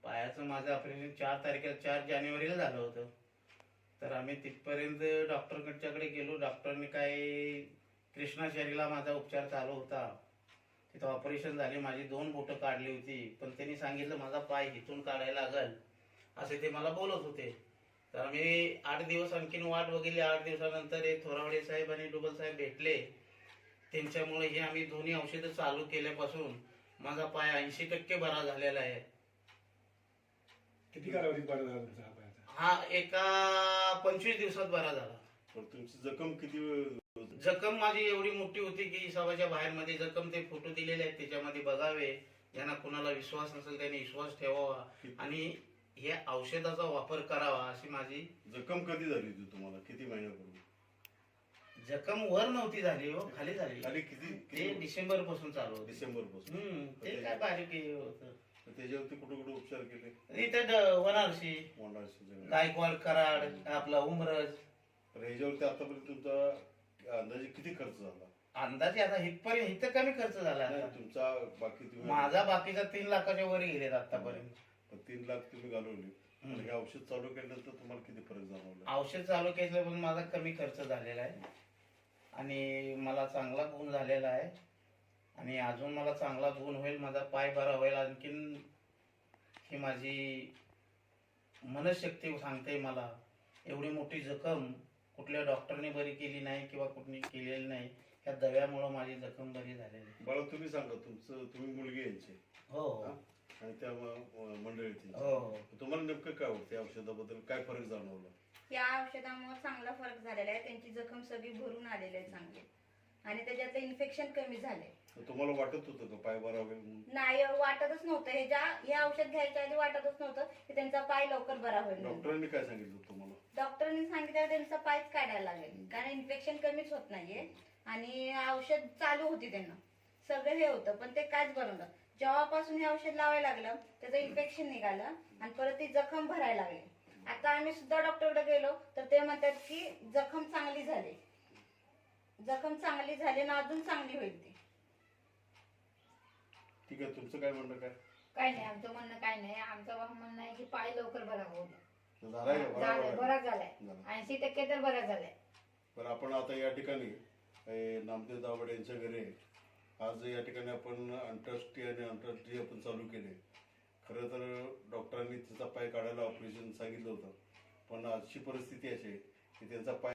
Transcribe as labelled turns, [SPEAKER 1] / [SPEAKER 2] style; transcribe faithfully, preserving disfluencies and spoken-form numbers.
[SPEAKER 1] पायाचं माझं ऑपरेशन चार तारखेला चार जानेवारीला झालं होतं. तर आम्ही तिथपर्यंत डॉक्टरकडच्याकडे गेलो. डॉक्टरने काय कृष्णाचारीला माझा उपचार चालू होता. तिथं ऑपरेशन झाले, माझी दोन बोटं काढली होती. पण त्यांनी सांगितलं माझा पाय हिथून काढायला लागल असे ते मला बोलत होते. तर आम्ही आठ दिवस आणखीन वाट बघितली. आठ दिवसानंतर हे थोरावडे साहेब आणि डुबल साहेब भेटले. त्यांच्यामुळे हे आम्ही दोन्ही औषधं चालू केल्यापासून माझा पाय ऐंशी टक्के बरा झालेला आहे.
[SPEAKER 2] किती कालावधीत बरा झाला तुमचा हा पायाचा?
[SPEAKER 1] हा एका पंचवीस दिवसात बरा झाला.
[SPEAKER 3] पण तुमची जखम किती?
[SPEAKER 1] जखम माझी एवढी मोठी होती की सभाच्या बाहेर मध्ये जखम ते फोटो दिलेले आहेत त्याच्यामध्ये बघावे. ज्यांना कुणाला विश्वास नसेल त्यांनी विश्वास ठेवावा आणि या औषधाचा वापर करावा अशी माझी.
[SPEAKER 3] जखम कधी झाली होती तुम्हाला? किती महिन्यापूर्वी?
[SPEAKER 1] जखम वर नव्हती झाली हो, खाली झाली.
[SPEAKER 3] खाली किती?
[SPEAKER 1] ते डिसेंबर पासून चालू होतं.
[SPEAKER 3] डिसेंबर पासून.
[SPEAKER 1] हम्म ते काय बारीक हे होतं.
[SPEAKER 3] त्याच्यावरती कुठे कुठे उपचार केले?
[SPEAKER 1] इथं वनारसी,
[SPEAKER 3] मोंडाळशी,
[SPEAKER 1] गायकवाड, कराड, आपला उमरज.
[SPEAKER 3] तर ह्याच्यावरती आतापर्यंत तुमचा अंदाजे किती खर्च झाला?
[SPEAKER 1] अंदाजे आता इथपर्यंत इथं कमी खर्च झाला.
[SPEAKER 3] नाही, तुमचा बाकी तुम्ही
[SPEAKER 1] माझा बाकीचा तीन लाखाच्या वर गेलेत आतापर्यंत.
[SPEAKER 3] पण तीन लाख तुम्ही घालवले. आणि हे औषध चालू केल्यानंतर तुम्हाला किती फरक जाणवला?
[SPEAKER 1] औषध चालू केलं पण माझा कमी खर्च झालेला आहे आणि मला चांगला गुण झालेला आहे आणि अजून मला चांगला गुण होईल. माझा पाय बरा होईल. आणखीन ही माझी मनशक्ती सांगते मला एवढी मोठी जखम कुठल्या डॉक्टरने बरी केली नाही किंवा कुठली केलेली नाही. या दव्यामुळे माझी जखम बरी झालेली.
[SPEAKER 3] बाळा तुम्ही सांगा, तुमचं तुम्ही मुलगी यांची
[SPEAKER 1] हो
[SPEAKER 3] आणि त्या म- मंडळीची
[SPEAKER 1] हो.
[SPEAKER 3] तुम्हाला नेमकं काय वाटतं? औषधाबद्दल काय फरक जाणवला?
[SPEAKER 4] या औषधामुळे चांगला फरक झालेला आहे. त्यांची जखम सगळी भरून आलेली आहे चांगली आणि त्याच्यातलं इन्फेक्शन कमी झाले.
[SPEAKER 3] तुम्हाला वाटत होतं का पाय बरा होईल म्हणून?
[SPEAKER 4] नाही वाटतच नव्हतं. हे ज्या हे औषध घ्यायच्या आधी वाटतच नव्हतं की त्यांचा पाय लवकर बरा होईल म्हणून.
[SPEAKER 3] डॉक्टरांनी काय सांगितलं तुम्हाला?
[SPEAKER 4] डॉक्टरांनी सांगितलं त्यांचा पायच काढायला लागेल कारण इन्फेक्शन कमीच होत नाहीये आणि औषध चालू होती त्यांना सगळं हे होतं पण ते कायच बरं नव्हतं. जेव्हापासून हे औषध लावायला लागलं त्याचं इन्फेक्शन निघालं आणि परत ती जखम भरायला लागली. आता आम्ही सुद्धा डॉक्टरकडे गेलो तर ते म्हणतात की जखम चांगली झाली, जखम चांगली झाली ना अजून चांगली होईल ती.
[SPEAKER 3] ठीक आहे, तुमचं काय म्हणणं काय?
[SPEAKER 5] काय नाही, आमचं म्हणणं काय नाही. आमचं म्हणणं आहे की पाय लवकर बरा होऊ द्या.
[SPEAKER 3] झालाय का? बरा
[SPEAKER 5] झालाय,
[SPEAKER 3] बरा
[SPEAKER 5] बरा झालाय.
[SPEAKER 3] झाला.
[SPEAKER 5] ऐंशी टक्के तर बरा झालाय.
[SPEAKER 3] बरं, आपण आता या ठिकाणी ए, नामदेव दाभाडे यांच्या घरी आहे. आज या ठिकाणी आपण अंतरराष्ट्रीय आणि आंतरराष्ट्रीय आपण चालू केले. खरं तर डॉक्टरांनी तिचा पाय काढायला ऑपरेशन सांगितलं होतं पण आजची परिस्थिती अशी आहे की त्यांचा पाय